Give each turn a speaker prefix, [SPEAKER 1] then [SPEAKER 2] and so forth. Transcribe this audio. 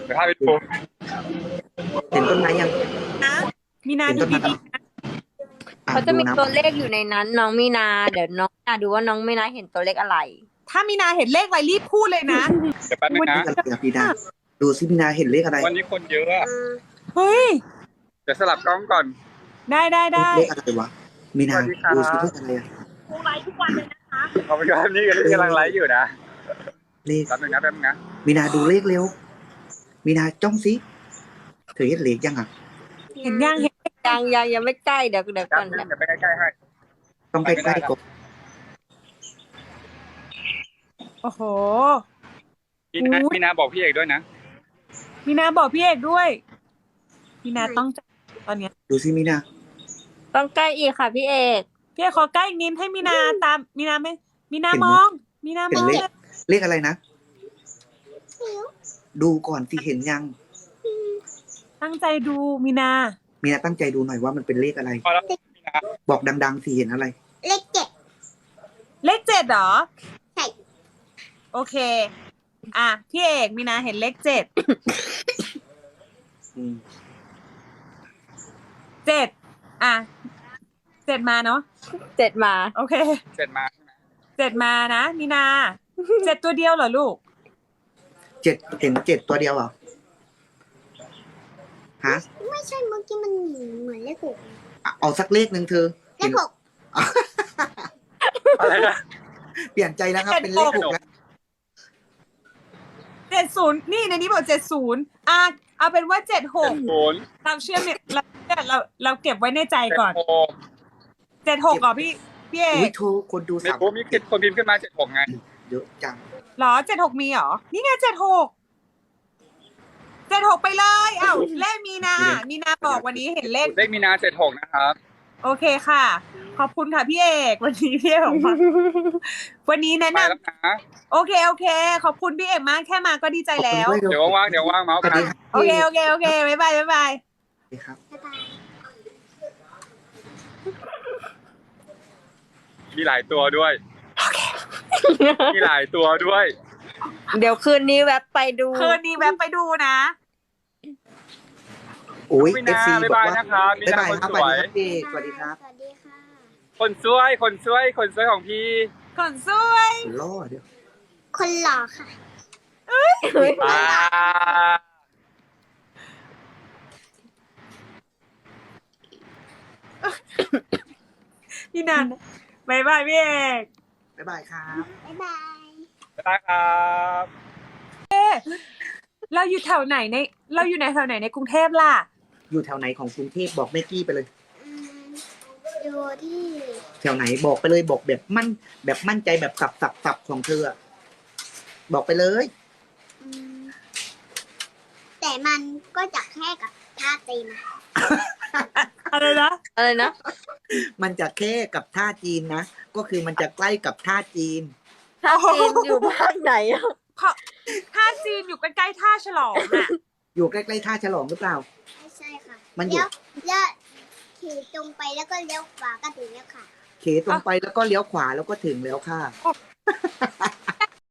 [SPEAKER 1] เดี๋ยวพาไปดู
[SPEAKER 2] เห็นต้นไม้ยัง
[SPEAKER 3] นะมีนา
[SPEAKER 2] เห็น
[SPEAKER 3] ดู
[SPEAKER 2] ต้นไม้
[SPEAKER 3] ดี
[SPEAKER 2] ยังอ่ะ
[SPEAKER 4] เขาจะ
[SPEAKER 2] ดู
[SPEAKER 4] มี
[SPEAKER 2] นะ
[SPEAKER 4] ตัวเลขอยู่ในนั้น น้องมีนา เดี๋ยวน้องมีนาดูว่าน้องมีนาเห็นตัวเลขอะไร
[SPEAKER 3] ๆถ้ามีนาเห็นเลขอะไรรีบพูดเลยนะ
[SPEAKER 1] เดี๋ยวแป๊บนึง
[SPEAKER 2] เล
[SPEAKER 1] นะ
[SPEAKER 2] ขอะไรอ่ะพี่นาดูสิพี่นาเห็นเลขอะไร
[SPEAKER 1] วันนี้คนเยอะอะ
[SPEAKER 3] เฮ้ย
[SPEAKER 1] เดี๋ยวสลับกล้องก่อน
[SPEAKER 3] ได้
[SPEAKER 2] เลขอะไรวะมีนา
[SPEAKER 1] สวัสดีครับ
[SPEAKER 2] ดูสิเลขอะไรอ่ะ
[SPEAKER 1] ขอบคุณครับนี่กำลังไลฟ์อยู่นะ
[SPEAKER 2] เลข
[SPEAKER 1] แป๊บนึงนะ
[SPEAKER 2] มีนาดูเลขเร็วมีนาจ้องสิเธอเห็นเลขยังอ่ะ
[SPEAKER 3] เห็นยังเห็น
[SPEAKER 4] ยังไม่ใกล้เดี๋ยว
[SPEAKER 1] แป๊
[SPEAKER 4] ก่อบ น
[SPEAKER 1] นึงเดี๋ยวไปใกล้ๆให้
[SPEAKER 2] ต้องใกล้ๆก่อน
[SPEAKER 3] โอ้โห
[SPEAKER 1] มีนาบอกพี่เอกด้วยนะ
[SPEAKER 3] มีนาบอกพี่เอกด้วยมีนาต้องใจตอนเนี้ย
[SPEAKER 2] ดูสิมีนา
[SPEAKER 4] ต้องใกล้อีกค่ะพี่เอก
[SPEAKER 3] พี่เอกขอใกล้อีกนิดให้มีนาตามมีนาไม่มีนามอง มีนาม
[SPEAKER 2] เห็น
[SPEAKER 3] อง
[SPEAKER 2] เลขอะไรนะดูก่อนสิเห็นยัง
[SPEAKER 3] ตั้งใจดูมีนา
[SPEAKER 2] มีนาตั้งใจดูหน่อยว่ามันเป็นเลขอะไร
[SPEAKER 1] พอแล้วมีนา
[SPEAKER 2] บอกดังๆสิเห็นอะไร
[SPEAKER 5] เลขเจ็ด
[SPEAKER 3] เลข7เหรอ
[SPEAKER 5] ใช่
[SPEAKER 3] โอเค อ่ะพี่เอกมีนาเห็นเลข7
[SPEAKER 2] อืม
[SPEAKER 3] 7อ่ะ7มาเนาะ
[SPEAKER 4] 7 มา
[SPEAKER 3] โอเค
[SPEAKER 1] เสร็จมา
[SPEAKER 3] 7มานะมีนา7ตัวเดียวเหรอลูก
[SPEAKER 2] เจ็ดเห็นเจ็ดตัวเดียวเหรอฮะ
[SPEAKER 5] ไม่ใช่เมื่อกี้มันเหมือนเลขหก
[SPEAKER 2] เอาสักเลขหนึ่งเธอ
[SPEAKER 5] เลขหก
[SPEAKER 1] อะไรนะ
[SPEAKER 2] เปลี่ยนใจแล้วครับเป็นเลขหกแล้ว
[SPEAKER 3] 70นี่ในนี้บอก70อ่ะเอาเป็นว่า76
[SPEAKER 1] ศูนย์
[SPEAKER 3] เราเชื่อเนี่ยเราเก็บไว้ในใจก่อน
[SPEAKER 1] 76
[SPEAKER 3] 76เหรอพี่เอ
[SPEAKER 2] อุ้ย
[SPEAKER 3] ก
[SPEAKER 2] โทรคนดู
[SPEAKER 1] ไม่
[SPEAKER 2] สาม
[SPEAKER 1] รู้มีคนพิมพ์ขึ้นมา76ไง
[SPEAKER 2] เยอะจัง
[SPEAKER 3] หรอ76มีเหรอนี่ไง76ไปเลยเอ้าเลขมีนาบอกวันนี้เห็นเลข
[SPEAKER 1] เลขมีนา76นะครับ
[SPEAKER 3] โอเคค่ะ ขอบคุณค่ะพี่เอกวันนี้พี่เอกออกมาวันนี้แนะ
[SPEAKER 1] ไป
[SPEAKER 3] นำ
[SPEAKER 1] แล้วนะ
[SPEAKER 3] โอเคขอบคุณพี่เอกมากแค่มาก็ดีใจแล้ว
[SPEAKER 2] ขอบคุณด้วย
[SPEAKER 1] เดี๋ยวว่างเมาส์
[SPEAKER 2] สวัส
[SPEAKER 1] กั
[SPEAKER 2] ดี
[SPEAKER 1] น
[SPEAKER 2] ครับ
[SPEAKER 3] โอเคบ๊ายบาย
[SPEAKER 2] สวัสดีครับ
[SPEAKER 5] บ๊ายบาย
[SPEAKER 1] มีหลายตัวด้วยมีหลายตัวด้วย
[SPEAKER 4] เดี๋ยวคืนนี้แวบไปดู
[SPEAKER 3] คืนนี้แวะไปดูนะ
[SPEAKER 2] โอ้ย
[SPEAKER 1] มี
[SPEAKER 2] เอฟ
[SPEAKER 1] นา
[SPEAKER 2] ซี
[SPEAKER 1] บ๊าย
[SPEAKER 2] บอก
[SPEAKER 1] บาย
[SPEAKER 2] ว่า
[SPEAKER 1] นะครับมี
[SPEAKER 2] บ๊าย
[SPEAKER 1] นา
[SPEAKER 2] บาย
[SPEAKER 1] คน
[SPEAKER 2] ครับ
[SPEAKER 1] ส
[SPEAKER 2] สวัส
[SPEAKER 1] วย
[SPEAKER 2] ดีครับพี่สวัสดีครับ
[SPEAKER 5] สวัสดีค่ะ
[SPEAKER 1] คนสวยของพี่
[SPEAKER 3] คนสวย
[SPEAKER 2] ล่อเดี๋ยว
[SPEAKER 5] คนหล่อค่ะ
[SPEAKER 1] อ่า
[SPEAKER 3] พี่นันบ๊ายบายพี่เอก
[SPEAKER 2] บ๊ายบายครับ
[SPEAKER 5] บ๊ายบาย
[SPEAKER 1] บ๊ายบายครับ
[SPEAKER 3] เราอยู่แถวไหนแถวไหนในกรุงเทพล่ะ
[SPEAKER 2] อยู่แถวไหนของกรุงเทพบอกแม่กี้ไปเลย
[SPEAKER 5] อืมอยู่ที่
[SPEAKER 2] แถวไหนบอกไปเลยบอกแบบมั่นใจแบบสับของเธออะบอกไปเลย
[SPEAKER 5] อืมแต่มันก็จะแค่กับท่าตีนะ
[SPEAKER 3] อะไรนะ
[SPEAKER 4] อะไรนะ
[SPEAKER 2] มันจะแค่กับท่าจีนนะก็คือมันจะใกล้กับท่าจีน
[SPEAKER 4] ถ้าจีนอยู่ภาคไหนอะ
[SPEAKER 3] ท่าจีนอยู่ใกล้ๆท่าฉลองน่ะ
[SPEAKER 2] อยู่ใกล้ๆท่าฉลองหรือเปล่า
[SPEAKER 5] ไม่ใช่ค่ะ
[SPEAKER 2] มันอยู่
[SPEAKER 5] เลี้ยวขี่ตรงไปแล้วก็เลี้ยวขวาก็ถึงแล้วค่ะ
[SPEAKER 2] เขตรงไปแล้วก็เลี้ยวขวาแล้วก็ถึงแล้วค่ะ